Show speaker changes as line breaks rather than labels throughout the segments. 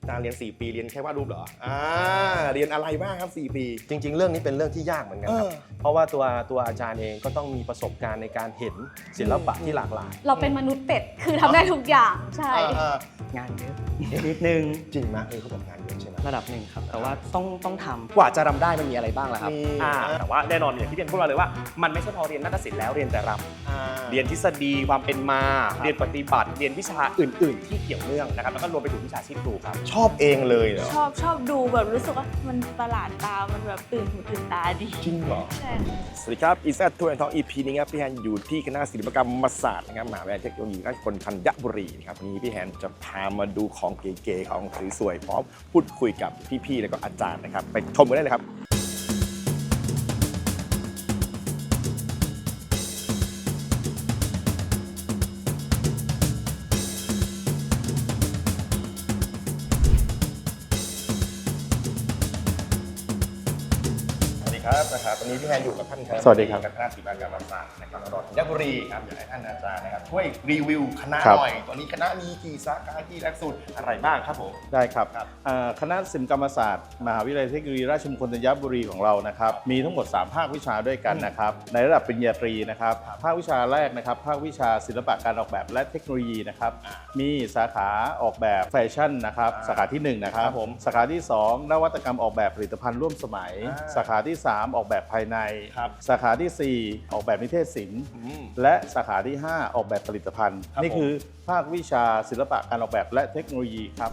อาจารย์เรียน4 ปีเรียนแค่วาดรูปเหรอเรียนอะไรบ้างครับ4 ปี
จริงๆเรื่องนี้เป็นเรื่องที่ยากเหมือนกันครับเพราะว่าตัวอาจารย์เองก็ต้องมีประสบการณ์ในการเห็นศิลปะที่หลากหลาย
เราเป็นมนุษย์เป็ดคือทำได้ทุกอย่างใช่
งานเยอะนิดนึง
จริงไหมเขาบอกงานเยอะใช่ไหม
ระดับหนึ่งครับแต่ว่าต้องทำ
กว่าจะรำได้มันมีอะไรบ้างล่ะครับ
แต่ว่าแน่นอนอย่างที่เรียนพูดมาเลยว่ามันไม่ใช่พอเรียนนาฏศิลป์แล้วเรียนแต่รำเรียนทฤษฎีความเป็นมาเรียนปฏิบัติเรียนวิชาอื่นๆ ที่เกี่ยวเนื่องนะครับแล้วก็รวมไปถึงวิชาชีพครูครับ
ชอบเองเลยเหรอ
ชอบดูแบบรู้สึกว่ามันประหลาดตามันแบบตื่นหูตื่นตาดี
จริงเหรอ
ใช่
สวัสดีครับอีแซดทัวร์แอนด์ทอล์ก EP นี้ครับพี่แฮนอยู่ที่คณะศิลปกรรมศาสตร์นะครับมหาวิทยาลัยเทคโนโลยีราชภัฏธัญบุรีครับวันนี้พี่แฮนจะพามาดูของเก๋ๆของสวยๆพร้อมพูดคุยกับพี่ๆแล้วก็อาจารย์นะครับไปชมกันได้เลยครับนะครับวันนี้พี่แฮนอยู่กับท่านครับ
สวัสดีครับ
คณะศิลปกรรมศาสตร์นะครับมหาวิทยาลัยธัญบุรีครับอยากให้ท่านอาจารย์นะครับช่วยรีวิวคณะหน่อยตอนนี้คณะมีกี่สาขากี่หลักสูตรอะไรบ้างครับผม
ได้ครับคณะศิลปกรรมศาสตร์มหาวิทยาลัยเทคโนโลยีราชมงคลธัญบุรีของเรานะครับมีทั้งหมด3ภาควิชาด้วยกันนะครับในระดับปริญญาตรีนะครับภาควิชาแรกนะครับภาควิชาศิลปะการออกแบบและเทคโนโลยีนะครับมีสาขาออกแบบแฟชั่นนะครับสาขาที่1นะครับสาขาที่2นวัตกรรมออกแบบผลิตภัณฑ์ร่วมสมัยสาขาที่3ออกแบบภายในสาขาที่4ออกแบบนิเทศศิลป์และสาขาที่5ออกแบบผลิตภัณฑ์นี่คือภาควิชาศิลปะการออกแบบและเทคโนโลยีครับ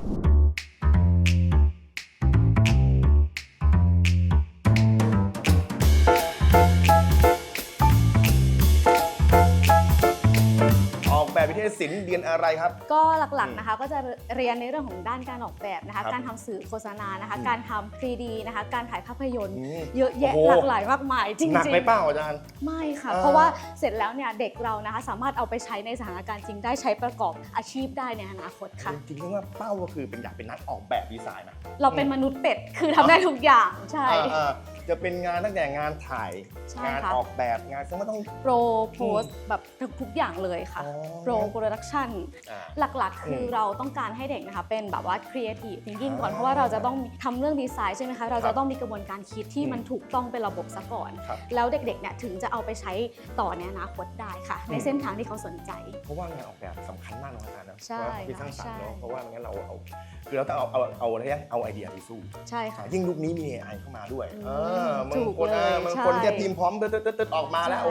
วิทยาศิลป์เรียนอะไรครับ
ก็หลักๆนะคะก็จะเรียนในเรื่องของด้านการออกแบบนะคะการทำสื่อโฆษณานะคะการทำ 3D นะคะการถ่ายภาพยนตร์เยอะแยะหลากหลายมากมายจริงๆ
หนักไหมเปล่าอาจารย์
ไม่ค่ะเพราะว่าเสร็จแล้วเนี่ยเด็กเรานะคะสามารถเอาไปใช้ในสถานการณ์จริงได้ใช้ประกอบอาชีพได้ในอนาคตค่ะ
จริงๆว่าเป้าก็คือเป็นอยากเป็นนักออกแบบดีไซน์นะ
เราเป็นมนุษย์เป็ดคือทำได้ทุกอย่างใช่
จะเป็นงานตั้งแต่งานถ่ายงานออกแบบงานซึ่งไม่ต้อง
โปรโพสแบบทุกอย่างเลยค่ะโปรดักชั่นหลักๆคือเราต้องการให้เด็กนะคะเป็นแบบว่า creative thinking ก่อนเพราะว่าเราจะต้องทำเรื่องดีไซน์ใช่ไหมคะเราจะต้องมีกระบวนการคิดที่มันถูกต้องเป็นระบบซะก่อนแล้วเด็กๆเนี่ยถึงจะเอาไปใช้ต่อในอนาคตได้ค่ะในเส้นทางที่เขาสนใจ
เพราะว่างานออกแบบสำคัญมากนะอาจารย์นะ
ใช่
ที่สร้างสรรค์เนาะเพราะว่างั้นเราคือเราต้องเอาไอเดียไปสู้
ใช่ค่ะ
ยิ่งยุคนี้มี AI เข้ามาด้วยบางคนแค่พิมพ์พร้อมตึ๊ดออกมาแล้วโอ้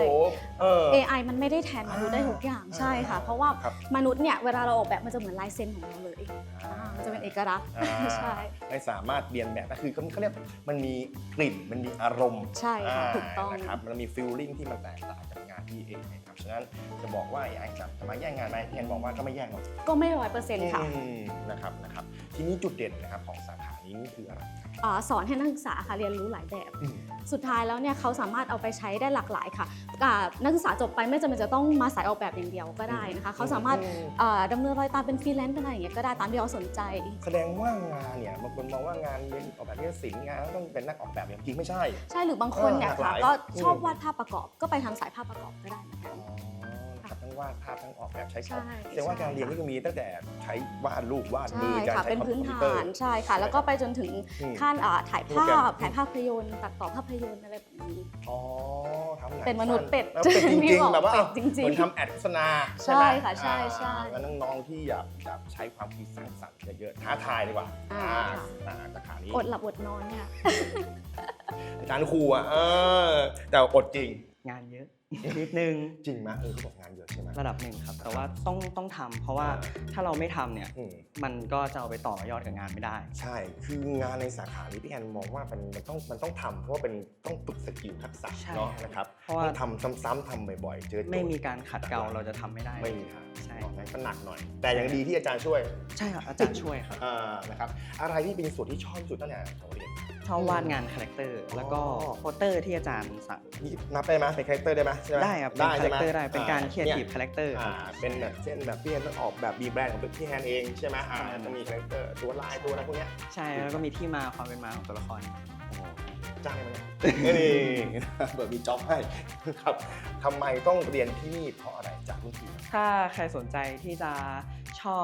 AI มันไม่ได้แทนมนุษย์ได้ทุกอย่างใช่ค่ะเพราะว่ามนุษย์เนี่ยเวลาเราออกแบบมันจะเหมือนลายเซ็นของเราเลยมันจะเป็นเอกลักษณ์ใช่
ไม่สามารถเรียนแบบก็คือเขาเรียกมันมีกลิ่นมันมีอารมณ์
ใช่ค่ะถูกต้อง
นะครับมันมีฟีลลิ่งที่มันแตกต่างจากงานที่เองนะครับฉะนั้นจะบอกว่า AI จะมาแย่งงานไหมแทนบอกว่าก็ไม่แย่งหรอก
ก็ไม่100%ค่ะ
นะครับทีนี้จุดเด่นนะครับของสาขานี้นี่คืออะไร
สอนให้นักศึกษาค่ะเรียนรู้หลายแบบสุดท้ายแล้วเนี่ยเขาสามารถเอาไปใช้ได้หลากหลายค่ะนักศึกษาจบไปไม่จำเป็นจะต้องมาสายออกแบบอย่างเดียวก็ได้นะคะเขาสามารถดำเนินรอยตามเป็นฟรีแลนซ์เป็นอะไรอย่างเงี้ยก็ได้ตามที่เขาสนใจ
แสดงว่างานเนี่ยบางคนมองว่างานเป็นออกแบบศิลป์งานต้องเป็นนักออกแบบจริงไม่ใช่
ใช่หรือบางคนเนี่ยค่ะก็ชอบวาดภาพประกอบก็ไปทางสายภาพประกอบก็ได้เหมือนกัน
ทั้งวาดภาพทั้งออกแบบใช้คอมแสดงว่าการเรียนนี่ก็มีตั้งแต่ใช้วาดรูปวาดมือการใช้
เป็นพื้นฐานใช่ค่ะแล้วก็ไปจนถึงขั้นถ่ายภาพยนตร์ตัดต่อภาพยนตร์อะไรแบบนี้เป็นมนุษย์เป็ด
จริงๆแบบว่าเหมือนทำแอดโฆษณา
ใช่ค่ะใช่
แล้วน้องๆที่อยากใช้ความคิดสร้างสรรค์เยอะๆท้าทายดีกว่าสาขานี้
อดหลับอดนอนค่ะ
อาจารย์ครูแต่อดจริง
งานเยอะนิดนึง
จริงไหมเขาบอกงานเยอะใช่ไหม
ระดับหนึ่งครับแต่ว่าต้องทำเพราะว่าถ้าเราไม่ทำเนี่ยมันก็จะเอาไปต่อยอดกับงานไม่ได้
ใช่คืองานในสาขานี้พี่แอนมองว่ามันต้องทำเพราะว่าเป็นต้องฝึกสกิลทักษะเนาะนะครับเพราะว่าทำซ้ำๆทำบ่อยๆเจอ
ไม่มีการขัดเกลาเราจะทำไม่ได้
ไม่มีทางใช่งั้นก็หนักหน่อยแต่ยังดีที่อาจารย์ช่วย
ใช่ครับอาจารย์ช่วยครับ
นะครับอะไรที่เป็นส่วนที่ชอบที่สุดตั้งแต่เรียน
ชอบวาดงานคาแรคเตอร์แล้วก็โปสเตอร์ที่อาจารย์สั่ง
นับได้ไหมเป็นคาแรคเตอร์ได้ไหม
ได้ครับเป็นคาแรคเตอร์ได้เป็นการเขียนทีฟคาแรคเตอร์
เป็นแบบเช่นแบบพี่แฮนต้องออกแบบมีแบรนด์ของพี่แฮนเองใช่ไหมต้องมีคาแรคเตอร์ตัวลายตัวอะไรพวกนี้
ใช่แล้วก็มีที่มาความเป็นมาของตัวละคร
จ้างไหมนี่เปิดมีจ็อบให้ครับทำไมต้องเรียนที่นี่เพราะอะไรจากรุ่นพี่
ถ้าใครสนใจที่จะชอบ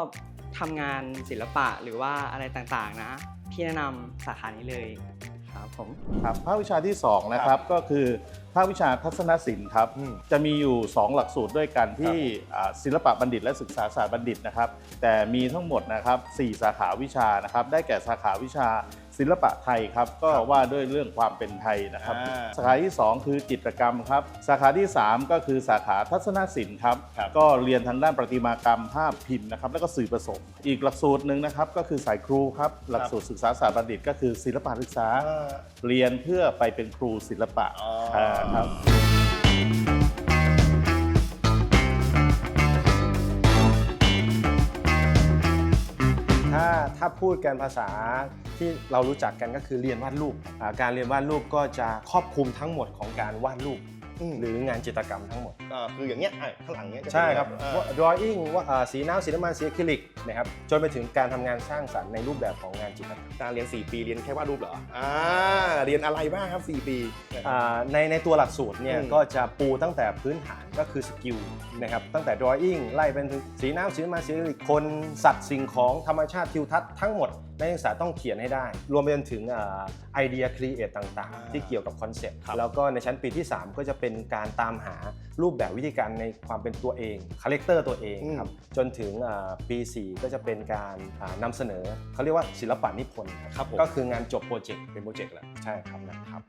ทำงานศิลปะหรือว่าอะไรต่างๆนะพี่แนะนำสาขานี้เลยครับผม
ครับภาควิชาที่2นะครับก็คือภาควิชาทัศนศิลป์ครับจะมีอยู่ 2 หลักสูตรด้วยกันที่ศิลปะบัณฑิตและศึกษาศาสตร์บัณฑิตนะครับแต่มีทั้งหมดนะครับ4สาขาวิชานะครับได้แก่สาขาวิชาศิลปะไทยครับก็ว่าด้วยเรื่องความเป็นไทยนะครับสาขาที่2คือจิตรกรรมครับสาขาที่3ก็คือสาขาทัศนศิลป์ครับก็เรียนทางด้านประติมากรรมภาพพิมพ์นะครับแล้วก็สื่อผสมอีกหลักสูตรหนึ่งนะครับก็คือสายครูครับหลักสูตรศึกษาศาสตร์บัณฑิตก็คือศิลปะศึกษาเรียนเพื่อไปเป็นครูศิลปะครับ
ถ้าพูดกันภาษาที่เรารู้จักกันก็คือเรียนวาดรูปการเรียนวาดรูปก็จะครอบคลุมทั้งหมดของการวาดรูปหรืองานจิตรกรรมทั้งหมด
คืออย่างเงี้ยข้างหลังเนี้ยจะเป็น
ใช่ครับ drawing สีน้ำสีน้ำมันสีอะคริลิกนะครับจนไปถึงการทำงานสร้างสรรค์ในรูปแบบของงานจิตรกรรม
การเรียน4 ปีเรียนแค่วาดรูปเหรอเรียนอะไรบ้างครับ4 ปี
ในตัวหลักสูตรเนี่ยก็จะปูตั้งแต่พื้นฐานก็คือสกิลนะครับตั้งแต่ drawing ไล่เป็นถึงสีน้ำสีน้ำมันสีอะคริลิกคนสัตว์สิ่งของธรรมชาติทิวทัศน์ทั้งหมดนักศึกษาต้องเขียนให้ได้รวมไปจนถึงไอเดียครีเอทต่างๆที่เกี่ยวกับคอนเซ็ปต์แล้วก็ในชั้นปีที่ 3 ก็จะเป็นการตามหารูปแบบวิธีการในความเป็นตัวเองคาแรคเตอร์ตัวเองครับจนถึงปี 4 ก็จะเป็นการนำเสนอเขาเรียกว่าศิลปะนิพนธ์ครับก็คืองานจบโปรเจกต์เป็นโปรเจกต์แหละใช่ครับนะครับ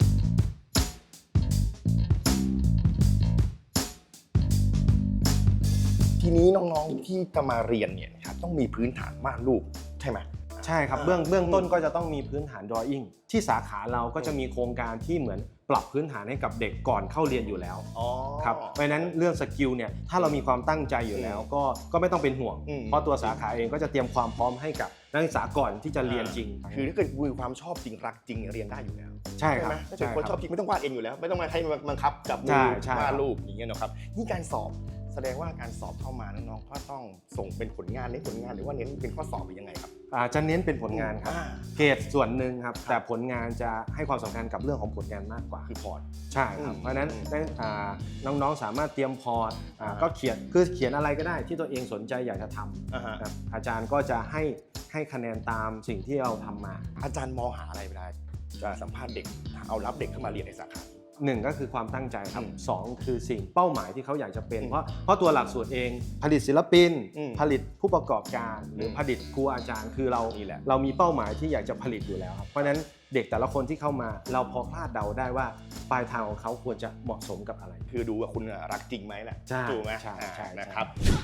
ทีนี้น้องๆที่จะมาเรียนเนี่ยครับต้องมีพื้นฐานวาดรูปใช่ไหม
ใช่ครับเบื้องต้นก็จะต้องมีพื้นฐาน drawing ที่สาขาเราก็จะมีโครงการที่เหมือนปรับพื้นฐานให้กับเด็กก่อนเข้าเรียนอยู่แล้วครับเพราะฉะนั้นเรื่องสกิลเนี่ยถ้าเรามีความตั้งใจอยู่แล้วก็ไม่ต้องเป็นห่วงเพราะตัวสาขาเองก็จะเตรียมความพร้อมให้กับนักศึกษาก่อนที่จะเรียนจริง
คือถ้าเกิดมีความชอบจริงรักจริงเรียนได้อยู่แล้ว
ใช่ครับ
ไหมถ้าเกิดคนชอบจริงไม่ต้องวาดเองอยู่แล้ว ไม่ต้องมาให้บังคับจับมือวาดรูปอย่างเงี้ยนะครับนี่การสอบแสดงว่าการสอบเข้ามาน้องๆก็ต้องส่งเป็นผลงานเน้นผลงานหรือว่าเน้นเป็นข้อสอบหรือยังไงครับ
จะเน้นเป็นผลงานครับเกรดส่วนหนึ่งครับแต่ผลงานจะให้ความสำคัญกับเรื่องของผลงานมากกว่า
คือพอร์ต
ใช่ครับเพราะฉะนั้นน้องๆสามารถเตรียมพอร์ตก็เขียนอะไรก็ได้ที่ตัวเองสนใจอยากจะทำครับอาจารย์ก็จะให้คะแนนตามสิ่งที่เราทำมา
อาจารย์มองหาอะไรเวลาจะสัมภาษณ์เด็กเอารับเด็กเข้ามาเรียนในสาขา
1ก็คือความตั้งใจครับ2คือสิ่งเป้าหมายที่เขาอยากจะเป็นเพราะตัวหลักสูตรเองผลิตศิลปินผลิตผู้ประกอบการหรือผลิตครูอาจารย์คือเรามีเป้าหมายที่อยากจะผลิตอยู่แล้วครับเพราะฉะนั้นเด็กแต่ละคนที่เข้ามาเราพอคาดเดาได้ว่าปลายทางของเขาควรจะเหมาะสมกับอะไร
คือดูว่าคุณรักจริงไหมแหละ
ใช่
ถูกไหม
ใช่
นะครับ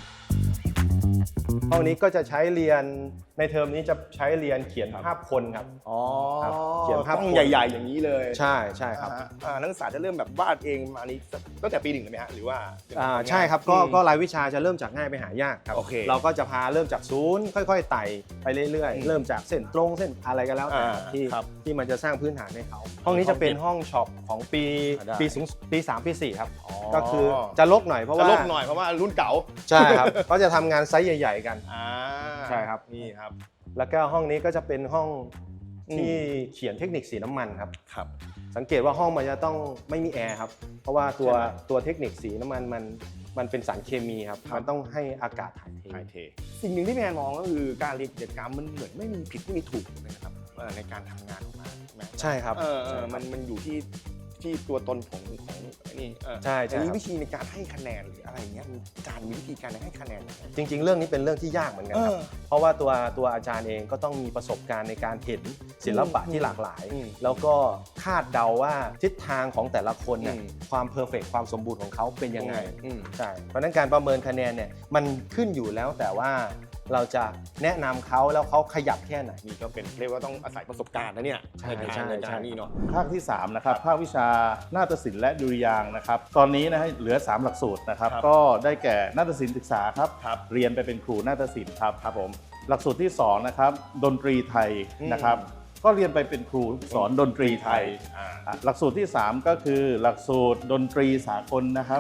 ห้องนี้ก็จะใช้เรียนในเทอมนี้จะใช้เรียนเขียนภาพคนครับครับเขียนภาพ
ต้องใหญ่ๆอย่างนี้เลย
ใช่ครับ
นักศึกษาจะเริ่มแบบวาดเองมานี้ตั้งแต่ปี 1เลยไหมฮะหรือว่า
ใช่ครับก็รายวิชาจะเริ่มจากง่ายไปหายากครับ
โอเค
เราก็จะพาเริ่มจากศูนย์ค่อยๆไต่ไปเรื่อยๆเริ่มจากเส้นตรงเส้นอะไรก็แล้วแต่ที่มันจะสร้างพื้นฐานให้เขาห้องนี้จะเป็นห้องช็อปของปี3ปี4ครับก็คือจะลกหน่อยเพราะว่า
รุ่นเก่า
ใช่ครับก็จะทำงานไซส์ใหญ่ๆกันใช่ครับ
นี่ครับ
แล้วก็ห้องนี้ก็จะเป็นห้องที่เขียนเทคนิคสีน้ำมันครับ
ครับ
สังเกตว่าห้องมันจะต้องไม่มีแอร์ครับเพราะว่าตัวเทคนิคสีน้ำมันมันเป็นสารเคมีครับมันต้องให้อากาศถ่ายเท
สิ่งหนึ่งที่แม่มองก็คือการเรียนกิจกรรมมันเหมือนไม่มีผิดไม่มีถูกนะครับในการทำงานออกมาใช่ไหม
ใช่ครับ
มันอยู่ที่ตัวตนของนี่
ใช่
อันนี้วิธีในการให้คะแนนหรืออะไรเงี้ยอาจารย์มีวิธีการให้คะแนนยังไง
จริงๆเรื่องนี้เป็นเรื่องที่ยากเหมือนกันครับเพราะว่าตัวอาจารย์เองก็ต้องมีประสบการณ์ในการเห็นศิลปะที่หลากหลาย แล้วก็คาดเดาว่าทิศทางของแต่ละคนเนี่ยความเพอร์เฟกต์ความสมบูรณ์ของเขาเป็นยังไงใช่เพราะฉะนั้นการประเมินคะแนนเนี่ยมันขึ้นอยู่แล้วแต่ว่าเราจะแนะนำเขาแล้วเขาขยับแค่ไหน
นี่ก็เป็นเรียกว่าต้องอาศัยประสบการณ์นะเนี่ยในการนี่เนาะ
ภาคที่3นะครับภาควิชานาฏศิลป์และดุริยางค์นะครับตอนนี้นะฮะเหลือ3หลักสูตรนะครับก็ได้แก่นาฏศิลป์ศึกษาครับเรียนไปเป็นครูนาฏศิลป์ครับผมหลักสูตรที่2นะครับดนตรีไทยนะครับก็เรียนไปเป็นครูสอนดนตรีไทยหลักสูตรที่3ก็คือหลักสูตรดนตรีสากลนะครับ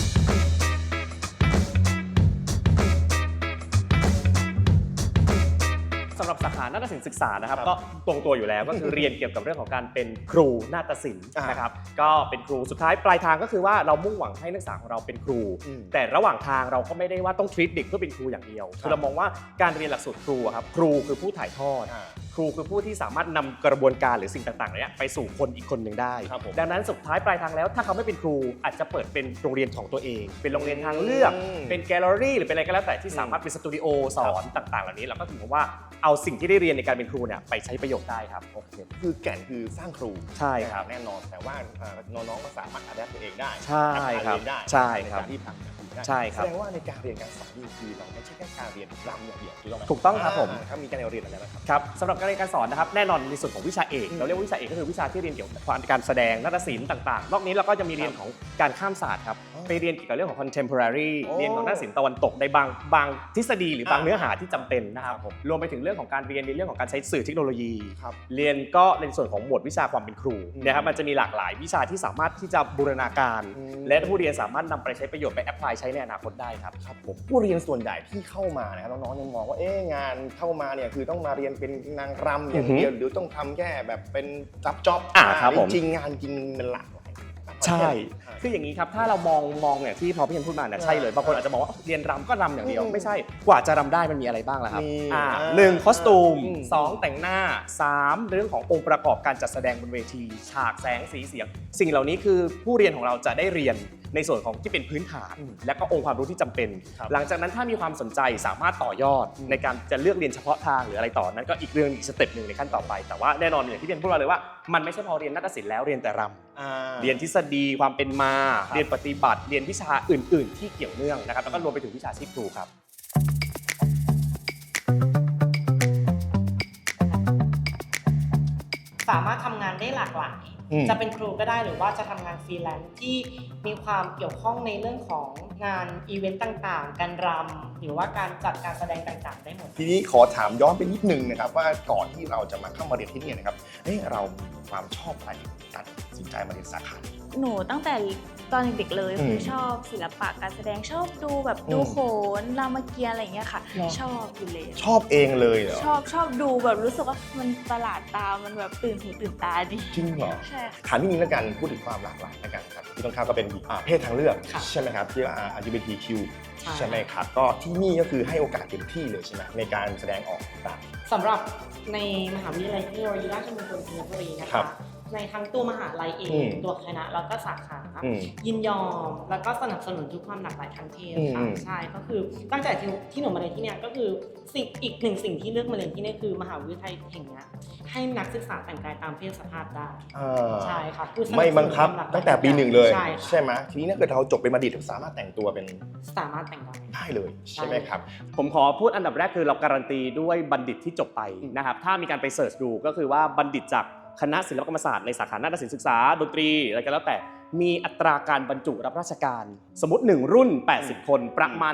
สสำหรับสาขานาฏศิลป์ศึกษานะครับก็ตรงตัวอยู่แล้วก็คือเรียนเกี่ยวกับเรื่องของการเป็นครูนาฏศิลป์นะครับก็เป็นครูสุดท้ายปลายทางก็คือว่าเรามุ่งหวังให้นักศึกษาของเราเป็นครูแต่ระหว่างทางเราก็ไม่ได้ว่าต้องทรีตเด็กเพื่อเป็นครูอย่างเดียวคือเรามองว่าการเรียนหลักสูตรครูครับครูคือผู้ถ่ายทอดครูคือผู้ที่สามารถนำกระบวนการหรือสิ่งต่างๆเนี่ยไปสู่คนอีกคนหนึ่งได้ดังนั้นสุดท้ายปลายทางแล้วถ้าเขาไม่เป็นครูอาจจะเปิดเป็นโรงเรียนของตัวเองเป็นโรงเรียนทางเลือกเป็นแกลเลอรี่หรือเป็นอะไรก็แล้วแต่ที่สามารถเป็นสตูดิโอสอนต่างๆเหล่านี้เราก็ถือว่าเอาสิ่งที่ได้เรียนในการเป็นครูเนี่ยไปใช้ประโยชน์ได้ครับ
โอเคคือแก่นคือสร้างครู
ใช่ครับ
แน่นอนแต่ว่าน้องๆก็สามารถอัดแอปตัวเองได้
ใช่ครับ
เรียนได้
ใช่ครับ
ในการที่ทำแบบนี้ได้
ใช่ครับ
แสดงว่าในการเรียนการสอนนี่คือเราไม่ใช่แค่การเรียนรำอย่างเดียวถูกต้องไหม
ถูกต้องครับผม
ถ้ามีการเรียนอะไรนะครับ
ครับสำหรับการเรียนการสอนนะครับแน่นอนในส่วนของวิชาเอกเราเรียกว่าวิชาเอกก็คือวิชาที่เรียนเกี่ยวกับการแสดงนาฏศิลป์ต่างๆนอกนี้เราก็จะมีเรียนของการข้ามศาสตร์ครับไปเรียนเกี่ยวกับเรื่องของ contemporary เรียนของนาฏศิลป์ตะวันตกในบางทฤษฎีหรือบางเนื้อหาที่จำเป็นนะครับรวมไปถึงเรื่องของการเรียนในเรื่องของการใช้สื่อเทคโนโลยีเรียนก็ในส่วนของหมวดวิชาความเป็นครูนะครับมันจะมีหลากหลายวิชาที่สามารถที่จะบูรณาการและผู้เรียนสามารถนำไปใช้ประโยชน์ไปแอพพลายใช้ในอนาคตได้ครับ
ครับผมผู้เรียนส่วนใหญ่ที่เข้ามานะครับน้องๆยังมองว่าเอ๊ะงานเข้ามาเนี่ยคือต้องมาเรียนเป็นนางรำอย่างเดียวหรือต้องทำแค่แบบเป็นรับจ็อบ
ครับผม
จริงๆงานจริงมันหลากหลาย
ใช่คืออย่างนี้ครับถ้าเรามองอย่างที่พอพี่เคนพูดมาเนี่ยใช่เลยบางคนอาจจะมองว่าเรียนรำก็รำอย่างเดียวไม่ใช่กว่าจะรำได้มันมีอะไรบ้างล่ะครับหนึ่งคอสตูม2แต่งหน้า3เรื่องขององค์ประกอบการจัดแสดงบนเวทีฉากแสงสีเสียงสิ่งเหล่านี้คือผู้เรียนของเราจะได้เรียนในส่วนของที่เป็นพื้นฐานและก็องค์ความรู้ที่จำเป็นหลังจากนั้นถ้ามีความสนใจสามารถต่อยอดในการจะเลือกเรียนเฉพาะทางหรืออะไรต่อนั้นก็อีกเรื่องอีกสเต็ปหนึ่งในขั้นต่อไปแต่ว่าแน่นอนอย่างที่พี่เคนพูดมาเลยว่ามันไม่ใช่พอเรียนนาฏศิลป์แล้วเรียนแต่รำเรียนทฤษฎีความเป็นมาเรียนปฏิบัติเรียนวิชาอื่นๆ ที่เกี่ยวเนื่องนะครับแล้วก็รวมไปถึงวิชาชีพครูครับ
สามารถทำงานได้หลากหลายจะเป็นครูก็ได้หรือว่าจะทำงานฟรีแลนซ์ที่มีความเกี่ยวข้องในเรื่องของงานอีเวนต์ต่างๆการรำหรือว่าการจัดการแสดงต่างๆได้หมด
ทีนี้ขอถามย้อนไปนิดนึงนะครับว่าก่อนที่เราจะมาเข้ามาเรียนที่นี่นะครับเรามีความชอบอะไรตัดสินใจมาเรียนสาขานี้
หนูตั้งแต่ตอนเด็กๆเลยคือชอบศิลปะการแสดงชอบดูแบบดูโขนรามเกียรติ์อะไรอย่างเงี้ยค่ะชอบอยู่เลย
ชอบเองเลยเหรอ
ชอบดูแบบรู้สึกว่ามันประหลาดตามันแบบตื่นหูตื่นตาดี
จริงเหรอ
ใช่ค่ะ
ถามนิดนึงแล้วกันพูดถึงความหลากหลายแล้วกันครับที่ต้องเข้าก็เป็นเพศทางเลือกใช่ไหมครับที่ว่า LGBTQ ใช่ไหมครับก็ที่นี่ก็คือให้โอกาสเต็มที่เลยใช่ไหมในการแสดงออกต่าง
สำหรับในมหาวิทยาลัยเทคโนโลยีราชมงคลธัญบุรีนะคะในทั้งตัวมหาลัยเองตัวคณะแล้วก็สาขายินยอมแล้วก็สนับสนุนทุกความหลากหลายทางเพศค่ะใช่ก็คือตั้งแต่ที่หนูมาเรียนที่เนี่ยก็คืออีกหนึ่งสิ่งที่เลือกมาเรียนที่นี่คือมหาวิทยาลัยแห่งนี้ให้นักศึกษาแต่งกายตามเพศสภาพได้ใช่ค่ะคือ
ไม่บังคับตั้งแต่ปีหนึ่งเลย
ใช่
ไหมทีนี้ถ้าเกิดเราจบเป็นบัณฑิตสามารถแต่งตัวเป็น
สามารถแต่งได้
เลยใช่ไหมครับ
ผมขอพูดอันดับแรกคือเราการันตีด้วยบัณฑิตที่จบไปนะครับถ้ามีการไปเสิร์ชดูก็คือว่าบัณฑิตจากคณะศิลปกรรมศาสตร์ในสาขานาฏศิลป์ศึกษาดนตรีอะไรก็แล้วแต่มีอัตราการบรรจุรับราชการสมมติ1รุ่น80คนประมาณ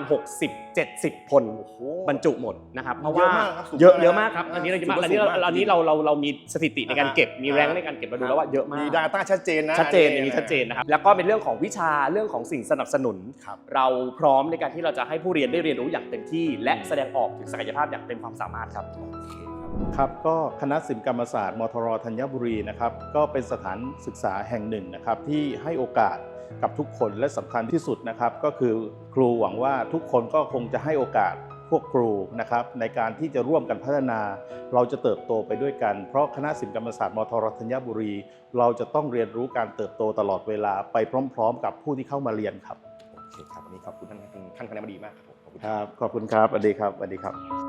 60-70คนบรรจุหมดนะครับเพราะว่าเยอะมากครับอันนี้เราเรามีสถิติในการเก็บมีแรงในการเก็บมาดูแล้วว่าเยอะมาก
มี Data ชัดเจนนะ
ชัดเจนอย่างนี้ชัดเจนนะครับแล้วก็เป็นเรื่องของวิชาเรื่องของสิ่งสนับสนุนเราพร้อมในการที่เราจะให้ผู้เรียนได้เรียนรู้อย่างเต็มที่และแสดงออกถึงศักยภาพอย่างเต็มความสามารถครับ
ครับก็คณะศิลปกรรมศาสตร์มทรธัญบุรีนะครับก็เป็นสถานศึกษาแห่งหนึ่งนะครับที่ให้โอกาสกับทุกคนและสำคัญที่สุดนะครับก็คือครูหวังว่าทุกคนก็คงจะให้โอกาสพวกครูนะครับในการที่จะร่วมกันพัฒนาเราจะเติบโตไปด้วยกันเพราะคณะศิลปกรรมศาสตร์มทรธัญบุรีเราจะต้องเรียนรู้การเติบโตตลอดเวลาไปพร้อมๆกับผู้ที่เข้ามาเรียนครับ
โอเคครับวันนี้ขอบคุณท่านคณะบดีมากครับผม
ครับขอบคุณครับสวัสดีครับสวัสดีครับ